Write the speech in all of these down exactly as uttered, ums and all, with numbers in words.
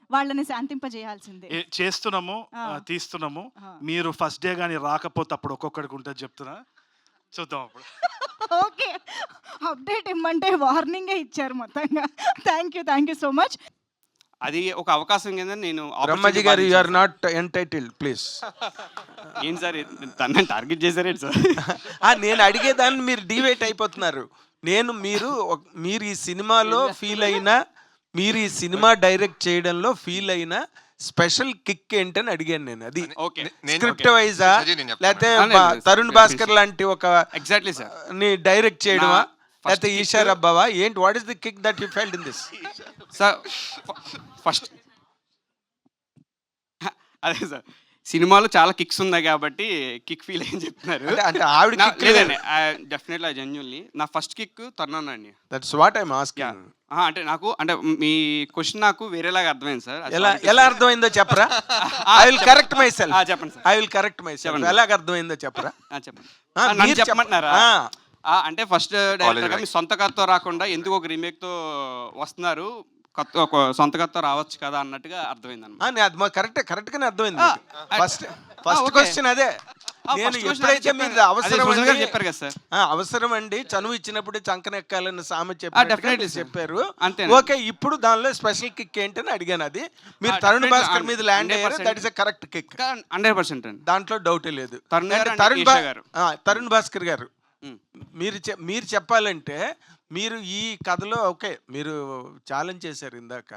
వాళ్ళని శాంతింపజేయాల్సిందే. ఏ చేస్తున్నాము, ఆ! ఆహ్, తీస్తున్నాము. ఆ! మీరు ఫస్ట్ డే గాని రాకపోతే అప్పుడు ఒక్కొక్కడికి ఉంటది చెప్తున్నా. చూద్దాం అప్పుడు. ఓకే. అప్డేట్ ఇమ్మంటే వార్నింగే ఇచ్చారు మొత్తంగా. Thank you. Thank you so much. అది ఒక అవకాశం కింద నేను బ్రహ్మజీ గారు you are not entitled please. ఏంటి సార్ తనని టార్గెట్ చేశారేంటి సార్? నేను అడిగేదాన్ని మీరు డివేట్ అయిపోతున్నారు. నేను మీరు ఒక- మీరు ఈ సినిమాలో ఫీల్ అయినా మీరు ఈ సినిమా డైరెక్ట్ చేయడంలో ఫీల్ అయిన స్పెషల్ కిక్ ఏంటని అడిగాను నేను. అది ఓకే స్క్రిప్ట్ వైజా లేకపోతే ఆ, లేదు, లేదు. తరుణ్ భాస్కర్ లాంటి ఒక ఎగ్జాక్ట్లీ సార్. ని డైరెక్ట్ చేయడమా నా first లేకపోతే kick- ఈషా రబ్బావా ఏంటి? What is the kick that you felt in this? Sir first అదే సార్ సినిమాలో చాలా కిక్స్ ఉన్నాయి కాబట్టి కిక్ ఫీల్ అని చెప్తున్నారు. అంటే అంటే ఆవిడ నా- కిక్ లేదండి డెఫినెట్లీ జెన్యున్లీ నా ఫస్ట్ కిక్ తన్నానండి. That's what I am asking. అంటే నాకు అంటే మీ క్వశ్చన్ నాకు వేరేలాగా అర్థమైంది సార్. ఎలా ఎలా అర్థమైందో చెప్పరా? I will correct myself. చెప్పండి sir. I will correct myself. చెప్పండి. ఎలాగ అర్థమైందో చెప్పరా? ఆ, చెప్పండి. ఆ, ఆ, నన్ను మీరు చెప్ప- చెప్పమంటున్నారా? ఆ. ఆ, అంటే ఫస్ట్ డైరెక్టర్గా మీ సొంత కథతో రాకుండా ఎందుకు ఒక రీమేక్తో వస్తున్నారు, కొత్త ఒక సొంత కథతో రావచ్చు కదా అన్నట్టుగా అర్థమైంది అనమాట. ఆ, నే- అది కరెక్ట్ కరెక్ట్ గానే అర్థమైంది. ఆ, ఫస్ట్ ఆ, ఫస్ట్ ఓకే. క్వశ్చన్ అదే. ఆ, నేను first question ఎప్పుడైతే చెప్పాను. మీరు అదే అవసరం సృజన్ గారు అండి- చెప్పారు కదా సార్. ఆ, అవసరం అండి చనువు ఇచ్చినప్పుడు చంకనెక్కాలని సామె definitely చెప్పి sir. చెప్పారు. అంతేనా? ఓకే, ఇప్పుడు దానిలో స్పెషల్ కిక్ ఏంటని అడిగాను. అది మీరు ఆ, తరుణ్ definitely, భాస్కర్ మీద ల్యాండ్ hundred అయ్యారు. percent. That is a correct kick. Hundred percent అండి. దాంట్లో డౌటే లేదు. తరుణ్ గారు అంటే and తరుణ్ ఈషా భా- గారు. ఆ, తరుణ్ భాస్కర్ గారు ఉమ్. మీరు చె- మీరు చెప్పాలంటే మీరు ఈ కథలో ఓకే మీరు ఛాలెంజ్ చేశారు ఇందాక.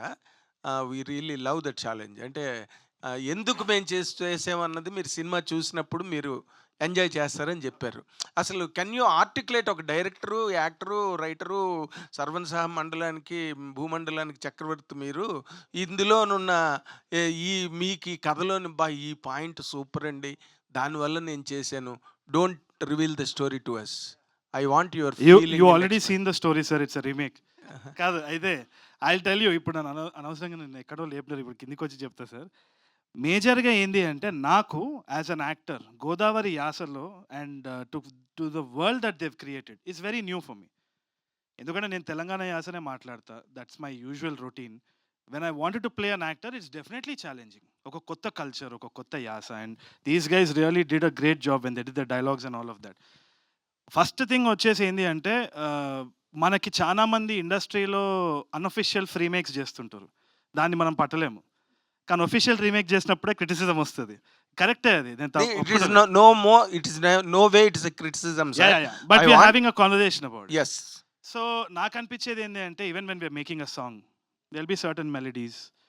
We really love that challenge. అంటే ఆ, ఎందుకు మేము చేసి చేసామన్నది మీరు సినిమా చూసినప్పుడు మీరు ఎంజాయ్ చేస్తారని చెప్పారు. అసలు కెన్ యూ ఆర్టికులేట్ ఒక డైరెక్టరు, యాక్టరు, రైటరు, సర్వన్ సహ మండలానికి భూమండలానికి చక్రవర్తి మీరు ఇందులోనున్న ఏ, ఈ మీకు ఈ కథలోని బా ఈ పాయింట్ సూపర్ అండి, దానివల్ల నేను చేశాను. Don't reveal the story to us. I want your you you already seen the story sir. It's a remake. కాదు అయితే ఐ టెల్ యూ. ఇప్పుడు నన్ను అన- అనవసరంగా నేను ఎక్కడో లేపినారు, ఇప్పుడు కిందికి వచ్చి చెప్తా సార్. మేజర్గా ఏంది అంటే నాకు యాజ్ అన్ యాక్టర్ గోదావరి యాసలో and to to the world that they've created it's very new for me. ఎందుకంటే నేను తెలంగాణ యాసనే మాట్లాడతా. That's my usual routine. When I wanted to play an actor it's definitely challenging. ఒక కొత్త కల్చర్, ఒక కొత్త యాస. And these guys really did a great job when they did the dialogues and all of that. First thing వచ్చేసి ఏంటి అంటే ఆ, మనకి చాలా మంది ఇండస్ట్రీలో అన్అఫిషియల్ రీమేక్స్ చేస్తుంటారు. దాన్ని మనం పట్టలేము. కానీ ఒఫిషియల్ రీమేక్ చేసినప్పుడే క్రిటిసిజం వస్తుంది. కరెక్టే అది. నేను It is no, no more. It is no, no way. It is a criticism, sir. But I we're want- having a conversation about. Yes. So నాకు అనిపించేది ఏంటి అంటే even when we're making a song there will be certain melodies,